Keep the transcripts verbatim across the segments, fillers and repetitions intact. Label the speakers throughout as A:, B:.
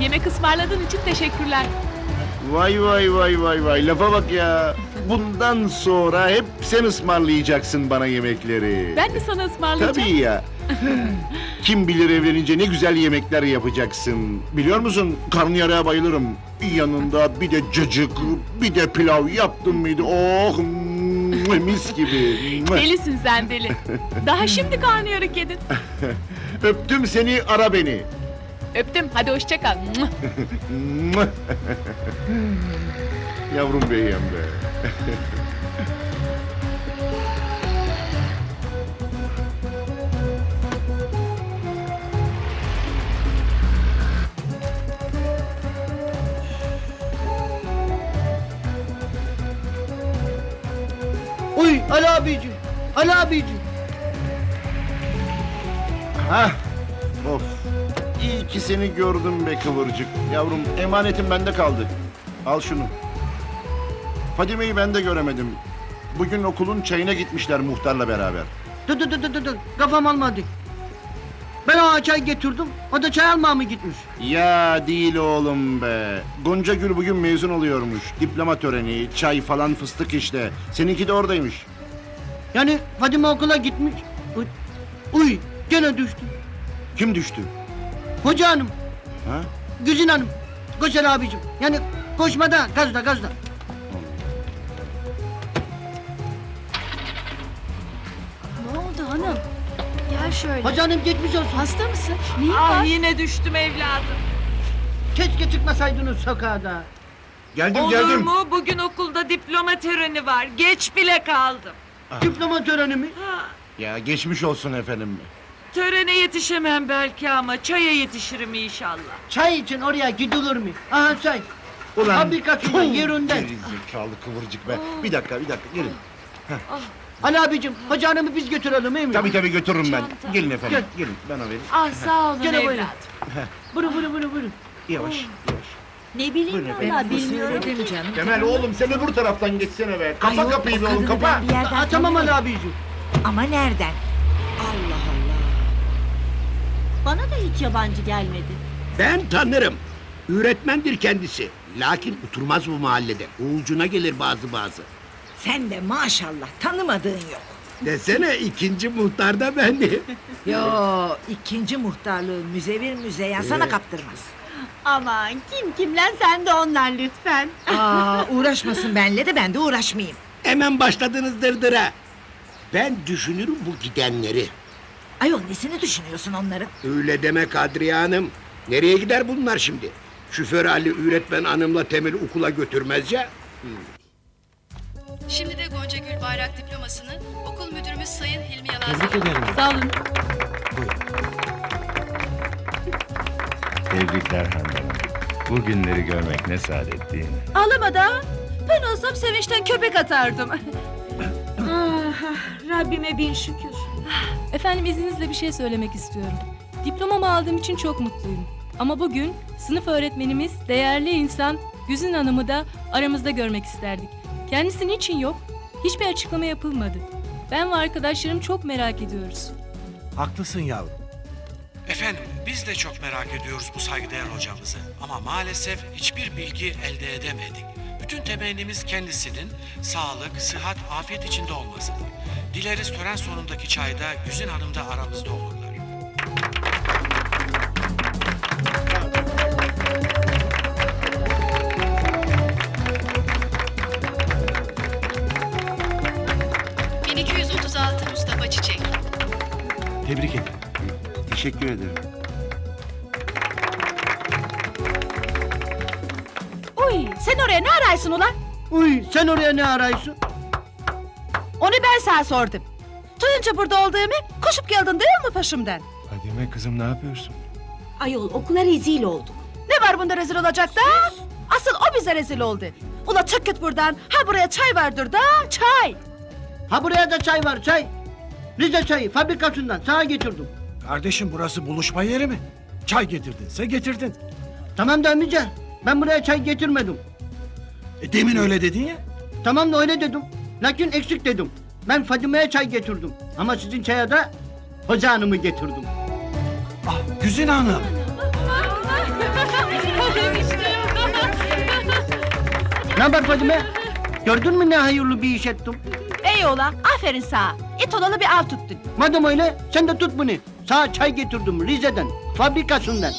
A: Yemek ısmarladığın için teşekkürler.
B: Vay vay vay vay vay, lafa bak ya. Bundan sonra hep sen ısmarlayacaksın bana yemekleri.
A: Ben de sana ısmarlayacağım.
B: Tabii ya. Kim bilir evlenince ne güzel yemekler yapacaksın. Biliyor musun, karnıyarığa bayılırım. Yanında bir de cacık, bir de pilav yaptın mıydı? Oh, mis gibi.
A: Delisin sen deli. Daha şimdi karnıyarık yedin.
B: Öptüm seni, ara beni.
A: Öptüm, hadi hoşça kal.
B: Yavrum beyim be.
C: Uy Ali abicim, Ali abicim.
B: Hah, of. İyi ki seni gördüm be kıvırcık. Yavrum, emanetim bende kaldı. Al şunu. Fadime'yi ben de göremedim. Bugün okulun çayına gitmişler muhtarla beraber.
C: Dur dur dur dur dur, kafam almadı. Ben ona çay getirdim, o da çay almaya mı gitmiş?
B: Ya değil oğlum be. Gonca Gül bugün mezun oluyormuş. Diploma töreni, çay falan fıstık işte. Seninki de oradaymış.
C: Yani Fadime okula gitmiş. Uy, uy gene düştü.
B: Kim düştü?
C: Hoca hanım,
B: Ha?
C: Güzin hanım, koş Ali abicim. Yani koşmada, gazda gazda.
D: Ne oldu hanım? Gel şöyle.
C: Hoca hanım geçmiş olsun.
D: Hasta mısın? Neyin
A: Ah
D: var?
A: yine düştüm evladım.
C: Keşke çıkmasaydınız sokağa da.
B: Geldim
E: Olur
B: geldim.
E: mu? Bugün okulda diploma töreni var. Geç bile kaldım.
C: Diploma töreni mi?
E: Ha,
B: Ya geçmiş olsun efendim.
E: törene yetişemem belki ama çaya yetişirim inşallah.
C: Çay için oraya gidilir mi? Aha çay.
B: Ulan.
C: Fabrikasında yerinde.
B: Gerizekalı kıvırcık be. Bir dakika bir dakika gelin.
C: Ali abicim, hoca hanımı biz götürelim değil mi?
B: Tabii tabii götürürüm ben.
D: Çanta.
B: Gelin efendim.
C: Gel.
B: Gelin bana verin.
A: Ah sağ olun
C: Gene
A: evladım.
C: buyurun. Buyurun buyurun buyurun. buyurun.
B: Yavaş yavaş.
D: Ne bileyim
B: Buyurun efendim.
D: valla bilmiyorum ki.
E: canım.
B: Kemal oğlum sen öbür taraftan geçsene be. Kapa
D: Ayol,
B: kapıyı
D: o
B: be oğlum
D: kadını
B: kapa.
D: ben bir yerden
C: Aa, tamam Ali
D: tanıyorum.
C: abicim.
D: Ama nereden? Allah Allah.
F: Bana da hiç yabancı gelmedi.
G: Ben tanırım. Öğretmendir kendisi. Lakin oturmaz bu mahallede. Uğulcuna gelir bazı bazı.
H: Sen de maşallah tanımadığın yok.
G: Desene ikinci muhtar da benim.
H: Yo ikinci muhtarlığı müzevir müzeyyen sana kaptırmaz.
F: Aman kim kimlen sen de onlar lütfen.
H: Aa uğraşmasın benle de ben de uğraşmayayım.
G: Hemen başladınız dırdıra. Ben düşünürüm bu gidenleri.
H: Ayol nesini düşünüyorsun onların?
G: Öyle deme Kadriye Hanım. Nereye gider bunlar şimdi? Şoför Ali öğretmen hanımla Temel okula götürmez ya.
I: Şimdi de Gonca Gül Bayrak diplomasını okul müdürümüz Sayın Hilmi Yalaz
A: Sağ olun.
J: Tebrikler Handan Hanım. Bu günleri görmek ne saadet değil mi?
F: Ağlama da. Ben olsam sevinçten köpek atardım. ah, Rabbime bin şükür.
K: Efendim izninizle bir şey söylemek istiyorum. Diplomamı aldığım için çok mutluyum. Ama bugün sınıf öğretmenimiz, değerli insan Güzin Hanım'ı da aramızda görmek isterdik. Kendisi niçin yok? Hiçbir açıklama yapılmadı. Ben ve arkadaşlarım çok merak ediyoruz.
L: Haklısın yavrum. Efendim biz de çok merak ediyoruz bu saygıdeğer hocamızı. Ama maalesef hiçbir bilgi elde edemedik. Bütün temennimiz kendisinin sağlık, sıhhat, afiyet içinde olmasıdır. Dileriz tören sonundaki çayda Güzin Hanım da aramızda olurlar.
I: bin iki yüz otuz altı Mustafa Çiçek.
L: Tebrik ederim.
B: Teşekkür ederim.
F: Uy sen oraya ne araysın ulan?
C: Uy sen oraya ne arıyorsun?
F: Onu ben sana sordum. Duyunca burada olduğumu koşup geldin değil mi peşimden?
J: Fadime kızım ne yapıyorsun?
F: Ayol okula rezil olduk. Ne var bunda rezil olacak da? Asıl o bize rezil oldu. Ula çık git buradan. Ha buraya çay vardır da çay.
C: Ha buraya da çay var çay. Rize çayı fabrikasından sana getirdim.
L: Kardeşim burası buluşma yeri mi? Çay getirdinse getirdin.
C: Tamam da amca ben buraya çay getirmedim.
L: E, demin öyle dedin ya.
C: Tamam da öyle dedim. Lakin eksik dedim. Ben Fadime'ye çay getirdim. Ama sizin çaya da hoca hanımı getirdim.
L: Ah Güzin Hanım.
C: Ne haber Fadime? Gördün mü ne hayırlı bir iş ettim?
F: Ey oğlan, aferin sana. İt olalı bir av tuttun.
C: Madem öyle sen de tut bunu. Sana çay getirdim Rize'den, fabrikasından.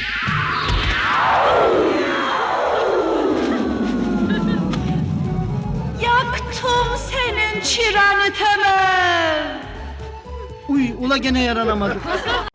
F: Yaktım senin çıranı Temel.
C: Uy ula gene yaranamadık.